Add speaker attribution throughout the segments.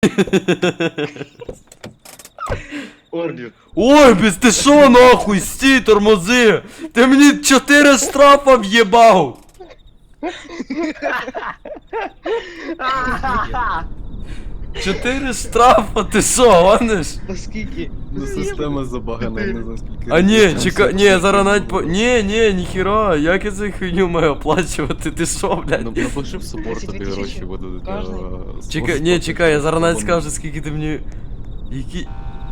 Speaker 1: Орбіт.
Speaker 2: Ой, без ти шо нахуй, стій, тормози! Ти мені 4 штрафа в'єбав! 4 штрафа, ти шо, гониш?
Speaker 1: Та скільки?
Speaker 3: Ну система забагана, я не знаю скільки.
Speaker 2: А ні,
Speaker 3: разів.
Speaker 2: чекай, ні, зараз навіть по... Ні, ніхіра, як я цю хуйню маю оплачувати, ти шо,
Speaker 3: Ну,
Speaker 2: блядь?
Speaker 3: напиши в супорт,
Speaker 1: 32
Speaker 3: тобі гроші
Speaker 1: тисячі.
Speaker 3: будуть.
Speaker 1: Кожний.
Speaker 2: Чекай, я зараз навіть скажу, скільки ти мені... Які...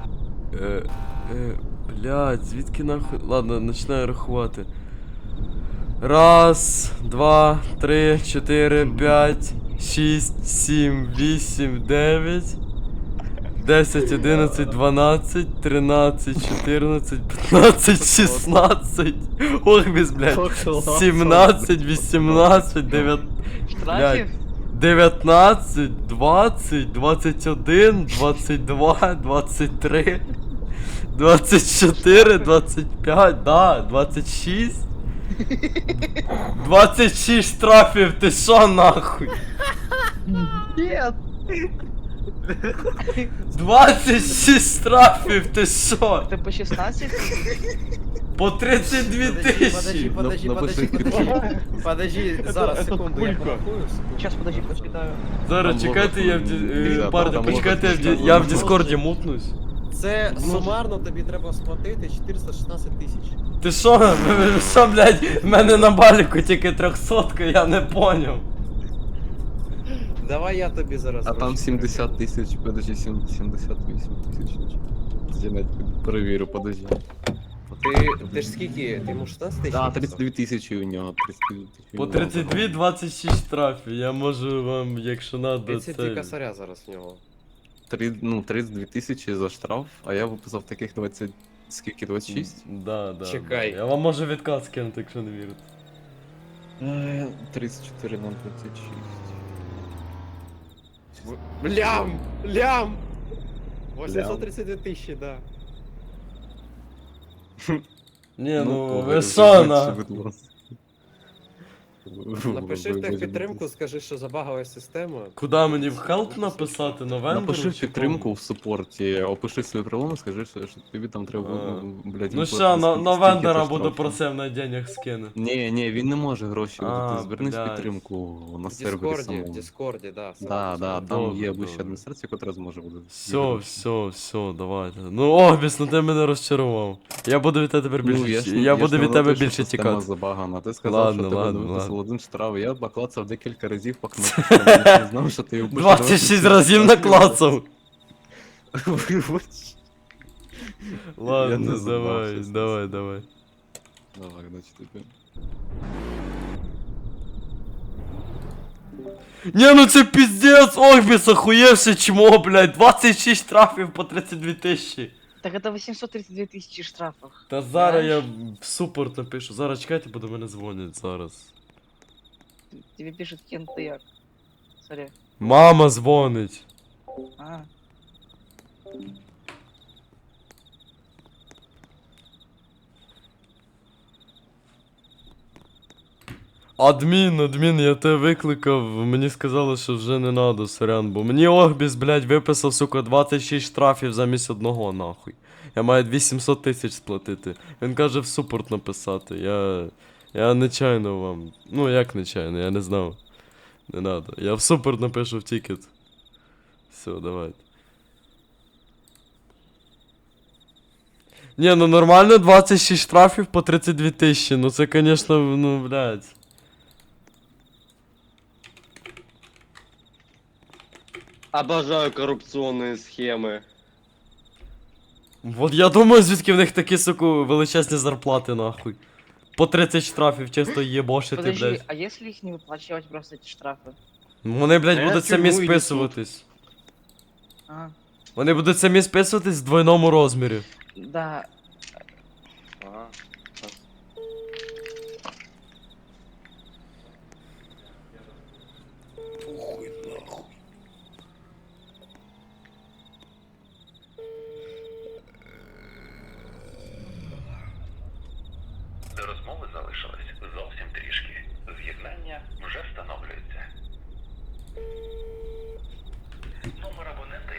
Speaker 2: Блядь, звідки нахуй... Ладно, починаю рахувати. 1, 2, 3, 4, 5, 6, 7, 8, 9, 10, 11, 12, 13, 14, 15, 16. Ох, без, блядь. 17, 18, 9...
Speaker 1: Штрафів?
Speaker 2: 19, 20, 21, 22, 23, 24, 25, да, 26. 26 штрафів, ти шо нахуй?
Speaker 1: Ні.
Speaker 2: 26 штрафів, ти шо?
Speaker 1: Ти по 16?
Speaker 2: По 32 тисячі.
Speaker 4: Подожди, зараз, секунду, я порахую.
Speaker 1: Сейчас, подожди, почитаю.
Speaker 2: Зараз
Speaker 3: Там
Speaker 2: чекайте, я в
Speaker 3: Нельзя,
Speaker 2: парні,
Speaker 3: там
Speaker 2: почекайте,
Speaker 3: можна
Speaker 2: я в
Speaker 3: писати.
Speaker 2: Діскорді мутнусь.
Speaker 4: Це сумарно тобі треба сплатити 416 тисяч.
Speaker 2: Ти шо, ви шо, блядь, в мене на баліку тільки 300, я не поняв.
Speaker 4: Давай я тобі зараз.
Speaker 3: А там
Speaker 4: гроші
Speaker 3: 70 тисяч, подожди, 78 тисяч. Я навіть перевірю, подожди.
Speaker 4: Ти ж скільки? Ти йому 16 тисяч?
Speaker 3: А, 32 тисячі у нього, 32 тисячі.
Speaker 2: По 32 26 штрафів, я можу вам, якщо надо,
Speaker 4: 32
Speaker 2: це...
Speaker 4: косаря зараз в нього.
Speaker 3: 32 тисячі за штраф, а я виписав таких 20... Скільки, 26?
Speaker 2: Да.
Speaker 4: Чекай.
Speaker 2: Я вам можу відказ скинути, якщо не вірите.
Speaker 3: 34 на 26.
Speaker 4: Лям! 832 тисячі, да.
Speaker 2: Ні, ну ви
Speaker 3: вибачте,
Speaker 2: шо на...
Speaker 3: будь ласка.
Speaker 4: Напиши в
Speaker 3: Вибачте.
Speaker 4: техпідтримку, скажи, що забагала система.
Speaker 2: Куда мені в хелп написати на вендору?
Speaker 3: Напиши
Speaker 2: чи
Speaker 3: підтримку
Speaker 2: кому?
Speaker 3: в супорті, опиши свою проблему, скажи, що тобі там треба,
Speaker 2: А.
Speaker 3: блядь,
Speaker 2: Ну
Speaker 3: виплатити
Speaker 2: що, на
Speaker 3: стільки-то
Speaker 2: вендора буду
Speaker 3: штрафу.
Speaker 2: просив на денег скине.
Speaker 3: Ні, він не може гроші
Speaker 2: А,
Speaker 3: видати, звернись в
Speaker 2: блядь.
Speaker 3: підтримку на
Speaker 4: В
Speaker 3: сервері
Speaker 4: Діскорді,
Speaker 3: самому.
Speaker 4: в Діскорді, да.
Speaker 3: Да, там
Speaker 2: Добре,
Speaker 3: є вища
Speaker 2: добре.
Speaker 3: адміністрація, яка зможе буде.
Speaker 2: Все, давайте. Ну, Огбіс, ну ти мене розчарував. Я буду від тебе тепер більше, я буду від тебе більше тікати.
Speaker 3: Забагана. Ти сказав,
Speaker 2: Ладно,
Speaker 3: що тебе
Speaker 2: ладно,
Speaker 3: виписав
Speaker 2: ладно.
Speaker 3: один штраф, я поклацав декілька разів по кнопці, я не знав, що ти його будеш
Speaker 2: 26 разів наклацав.
Speaker 3: Вибач. Я
Speaker 2: Ладно,
Speaker 3: не забався.
Speaker 2: давай.
Speaker 3: Давай, значить тобі.
Speaker 2: Не, ну це пиздец, Огбіс, охуєвши чмо, блядь, 26 штрафів по 32 тисячі.
Speaker 1: Так это 832 тысячи штрафов.
Speaker 2: Та зараз я
Speaker 1: Знаєш?
Speaker 2: в супорт напишу, зараз чекайте, бо до мене дзвонять зараз.
Speaker 1: Тебе пишет Кен, ты як? Сорі.
Speaker 2: Мама дзвонить.
Speaker 1: А.
Speaker 2: Адмін, я тебе викликав, мені сказали, що вже не надо, сорян, бо мені Огбіс, блядь, виписав, сука, 26 штрафів замість одного, нахуй. Я маю 800 тисяч сплатити. Він каже в супорт написати, я нечайно вам, ну як нечайно, я не знав. Не надо, я в супорт напишу в тікет. Все, давайте. Ні, ну нормально 26 штрафів по 32 тисячі, ну це, конечно, ну, блядь.
Speaker 5: Обожаю коррупционные схемы.
Speaker 2: Вот я думаю, звідки в них такі, суку, величезні зарплати, нахуй. По 30 штрафів чисто їбошити,
Speaker 1: Подожди,
Speaker 2: блядь.
Speaker 1: а если их не выплачивать просто эти штрафы?
Speaker 2: Вони, блядь,
Speaker 5: Е,
Speaker 2: будуть самі
Speaker 5: тюрму йдуть
Speaker 2: списуватись.
Speaker 1: А,
Speaker 2: Вони будуть самі списуватись в двойному розмірі.
Speaker 1: да,